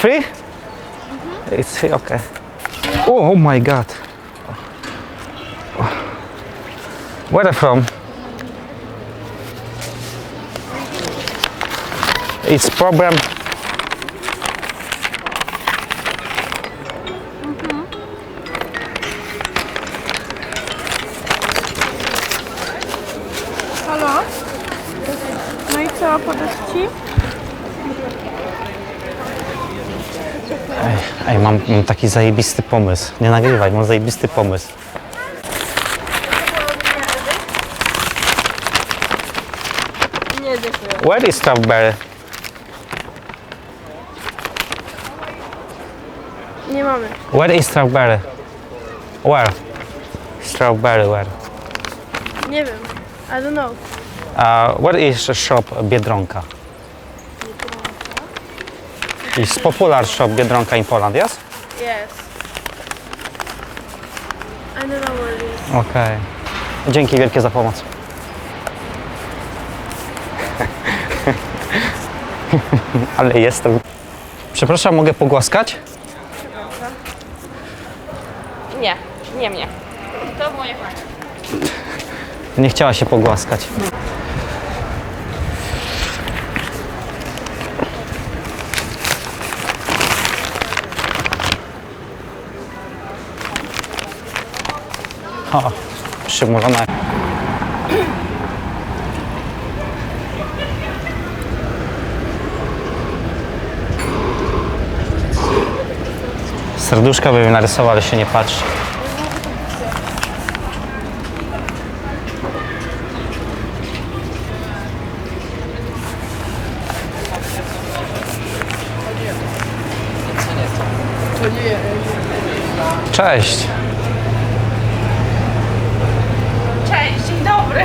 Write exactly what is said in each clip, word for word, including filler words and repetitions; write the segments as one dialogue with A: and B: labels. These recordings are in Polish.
A: free? Mm-hmm. It's free, okay. Oh, oh my god. Where are you from? It's problem.
B: Halo? No i co, podać ci?
A: Ej, ej mam, mam taki zajebisty pomysł. Nie nagrywaj, mam zajebisty pomysł.
B: Nie, dziękuję.
A: Where is strawberry?
B: Nie mamy.
A: Where is strawberry? Where? Strawberry, where?
B: Nie wiem. I don't know.
A: Uh, where is the shop Biedronka? It's popular shop Biedronka in Poland, yes?
B: Yes. I don't know where it is.
A: Okej. Okay. Dzięki wielkie za pomoc. Ale jestem. Przepraszam, mogę pogłaskać?
B: Nie, nie mnie. To moje fajne.
A: Nie chciała się pogłaskać. O, przymulona. Serduszka bym narysował, ale się nie patrzy. Cześć.
C: Cześć, dzień dobry.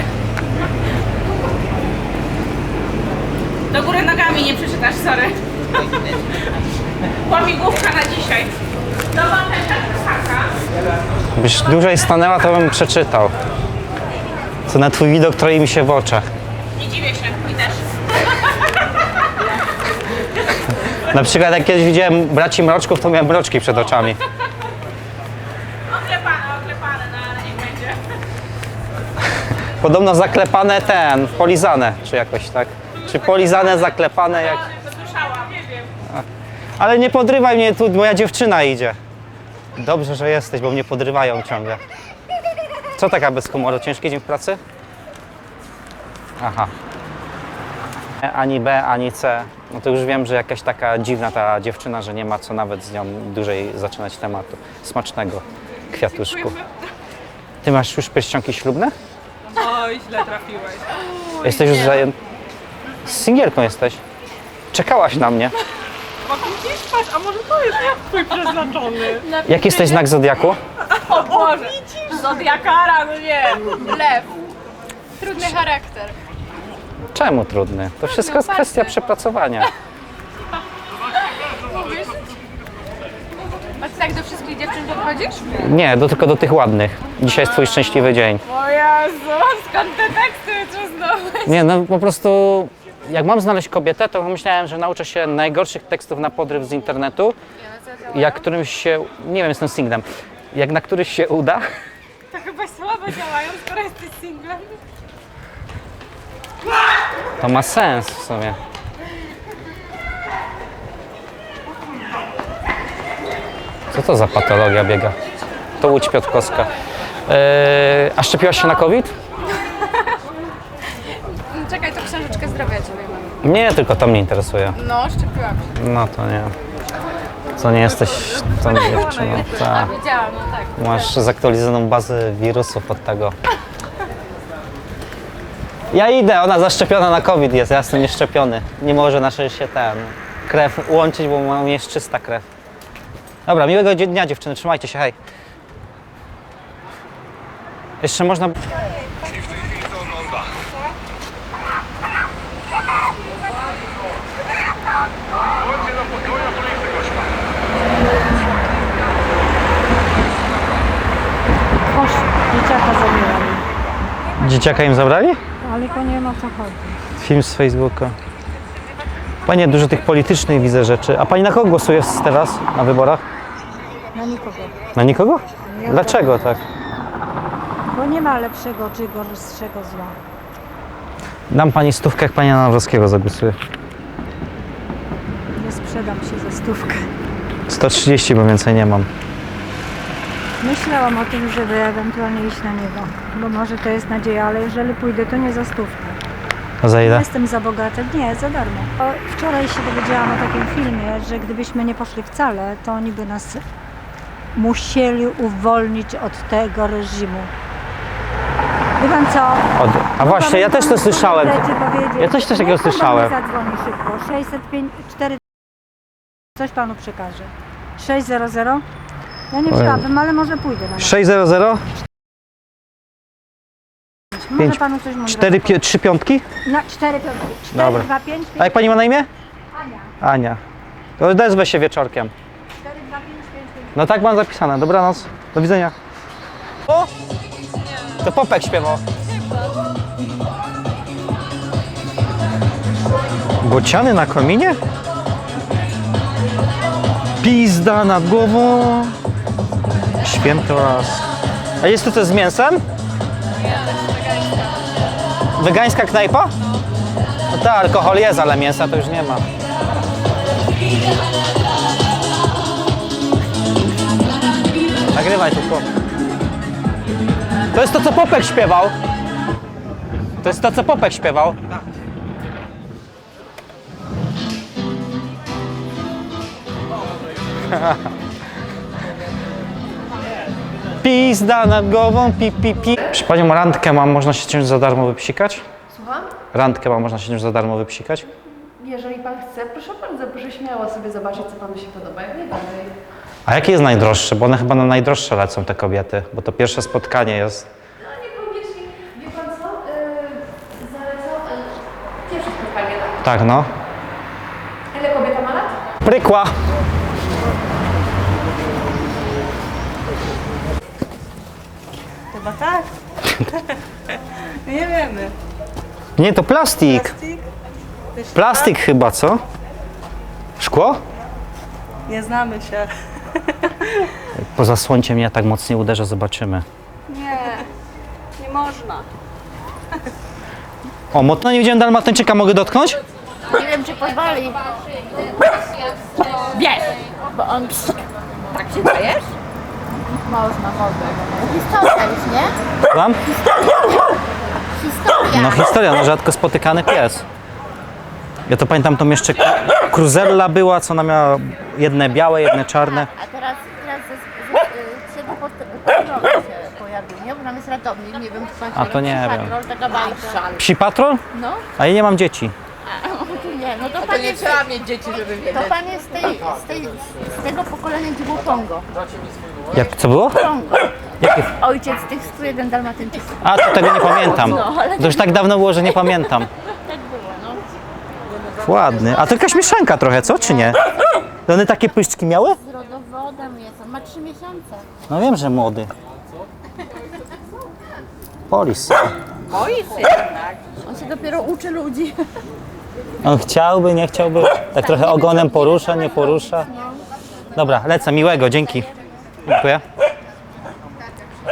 C: Do góry nogami nie przeczytasz, sorry. Łamigłówka na dzisiaj. Dobra, taka.
A: Gdybyś dłużej stanęła, to bym przeczytał. Co na twój widok troi mi się w oczach.
C: Nie dziwię się, mi też.
A: Na przykład jak kiedyś widziałem braci mroczków, to miałem mroczki przed oczami.
C: Oklepane, oklepane, no ale niech będzie.
A: Podobno zaklepane ten, polizane, czy jakoś tak. Czy polizane, zaklepane jak...
C: Słyszałam, nie wiem.
A: Ale nie podrywaj mnie, tu moja dziewczyna idzie. Dobrze, że jesteś, bo mnie podrywają ciągle. Co taka bez humoru? Ciężki dzień w pracy? Aha. Ani B, ani C. No to już wiem, że jakaś taka dziwna ta dziewczyna, że nie ma co nawet z nią dłużej zaczynać tematu. Smacznego, kwiatuszku. Ty masz już pierścionki ślubne?
C: Oj, źle trafiłeś.
A: Jesteś już zajęty. Z singielką jesteś. Czekałaś na mnie.
C: Bo widzisz, patrz, a może to jest twój przeznaczony?
A: Jaki jesteś znak zodiaku?
C: O Boże, Zodiakara, no nie.
B: Lew. Trudny charakter.
A: Czemu trudny? To wszystko jest kwestia przepracowania.
B: Mówisz? A ty tak do wszystkich dziewczyn podchodzisz?
A: Nie, do, tylko do tych ładnych. Dzisiaj jest twój szczęśliwy dzień.
C: O Jezu, skąd te teksty tu znowu?
A: Nie, no po prostu jak mam znaleźć kobietę, to myślałem, że nauczę się najgorszych tekstów na podryw z internetu. Jak którymś się, nie wiem, jestem singlem, jak na któryś się uda,
C: To chyba słabo działają, skoro jesteś singlem.
A: to ma sens w sumie. Co to za patologia biega? To Łódź Piotrkowska. Yy, a szczepiłaś się na COVID?
B: Czekaj, to książeczkę zdrowia ci wyjmę.
A: Nie, tylko to mnie interesuje.
B: No, szczepiłam się.
A: No to nie. Co nie jesteś tą dziewczyną. Ta.
B: Wiedziałam, no tak.
A: Masz zaktualizowaną bazę wirusów od tego. Ja idę, ona zaszczepiona na COVID jest, ja jestem nieszczepiony. Nie może nasze się ten krew łączyć, bo mam jest czysta krew. Dobra, miłego dnia dziewczyny, trzymajcie się, hej. Jeszcze można...
D: Proszę, dzieciaka zabrali.
A: Dzieciaka im zabrali?
D: Ale to nie ma co chodzi.
A: Film z Facebooka. Panie, dużo tych politycznych widzę rzeczy. A pani na kogo głosuje teraz na wyborach?
D: Na nikogo.
A: Na nikogo?
D: Nie.
A: Dlaczego tak?
D: Bo nie ma lepszego czy gorszego zła.
A: Dam pani stówkę, jak pani na Nawrockiego zagłosuje.
D: Nie sprzedam się za stówkę.
A: sto trzydzieści, bo więcej nie mam.
D: Myślałam o tym, żeby ewentualnie iść na niego. Bo może to jest nadzieja, ale jeżeli pójdę, to nie za stówkę.
A: A za
D: Nie
A: ile?
D: jestem za bogata. Nie, za darmo. O, wczoraj się dowiedziałam o takim filmie, że gdybyśmy nie poszli wcale, to oni by nas musieli uwolnić od tego reżimu. Wie pan co?
A: Od... A właśnie, ja też to słyszałem. Ja coś też takiego
D: Niech pan do mnie
A: słyszałem.
D: zadzwoni szybko. sześćset pięć cztery. Coś panu przekażę. sześćset. Ja nie wstawam, ale może pójdę na niego.
A: sześćset?
D: Może
A: pięć-
D: panu coś mądrego
A: cztery, pie, trzy piątki?
D: Na cztery piątki.
A: Dobra.
D: cztery, dwa, pięć,
A: A jak pani ma na imię?
D: Ania.
A: Ania. To odezwę się wieczorkiem.
D: cztery, dwa, pięć, pięć, pięć.
A: No tak mam zapisane. Dobranoc. Do widzenia. O! To Popek śpiewał. Bociany na kominie? Pizda nad głową. Święty raz. A jest tu coś z mięsem? Wegańska knajpa? No tak, alkohol jest, ale mięsa to już nie ma. Nagrywaj tylko. To jest to, co Popek śpiewał. To jest to, co Popek śpiewał. Pizda nad głową, pi, pi, pi. Przy panią randkę mam, można się czymś za darmo wypsikać?
B: Słucham?
A: Randkę mam, można się czymś za darmo wypsikać?
B: Jeżeli pan chce, proszę bardzo, proszę śmiało sobie zobaczyć, co panu się podoba, jak najbardziej.
A: A jakie jest najdroższe? Bo one chyba na najdroższe lecą, te kobiety, bo to pierwsze spotkanie jest.
B: No niekoniecznie, wie pan co, yy, zalecą, yy, pierwsze spotkanie, tak?
A: Tak, no.
B: Ile kobieta ma lat?
A: Prykła.
C: Chyba tak. Nie wiemy.
A: Nie, to plastik.
C: Plastik? Też
A: Plastik chyba, co? Szkło?
C: tak? Nie znamy się.
A: Poza słońcem ja tak mocniej uderzę, zobaczymy.
C: Nie, nie można.
A: O, mocno nie widziałem dalmatyńczyka, mogę dotknąć?
E: Nie wiem, czy pozwoli. Wiesz, bo on tak się dajesz? Można, można. Historia już, nie?
A: Tam?
E: Historia.
A: No historia, no rzadko spotykany pies. Ja to pamiętam, tą jeszcze kruzella była, co ona miała jedne białe, jedne czarne.
E: A teraz, teraz ze, ze, z tego potem się pojawił, nie? Bo tam jest ratownik, nie wiem, czy pan
A: A to nie wiem.
E: Patrol, taka bajka.
A: Psi patrol?
E: No,
A: A ja nie mam dzieci.
E: nie, no to pan jest,
C: Trzeba mieć dzieci, żeby wiedzieć.
E: to pan jest z, tej, z, tej, z tego pokolenia, gdzie było Pongo.
A: Jak, co było?
E: Pongo.
A: Jakie?
E: Ojciec tych stu jeden dalmatyńczyków.
A: A, to tego nie pamiętam.
E: No, ale
A: To już tak dawno było, że nie pamiętam.
E: tak było, no.
A: Ładny. A to jakaś mieszanka trochę, co? Czy nie? To one takie pyszczki miały?
E: Z rodowodem jest, on ma trzy miesiące.
A: No wiem, że młody. Polis.
E: On się dopiero uczy ludzi.
A: On chciałby, nie chciałby. Tak trochę ogonem porusza, nie porusza. Dobra, lecę. Miłego, dzięki. Dziękuję.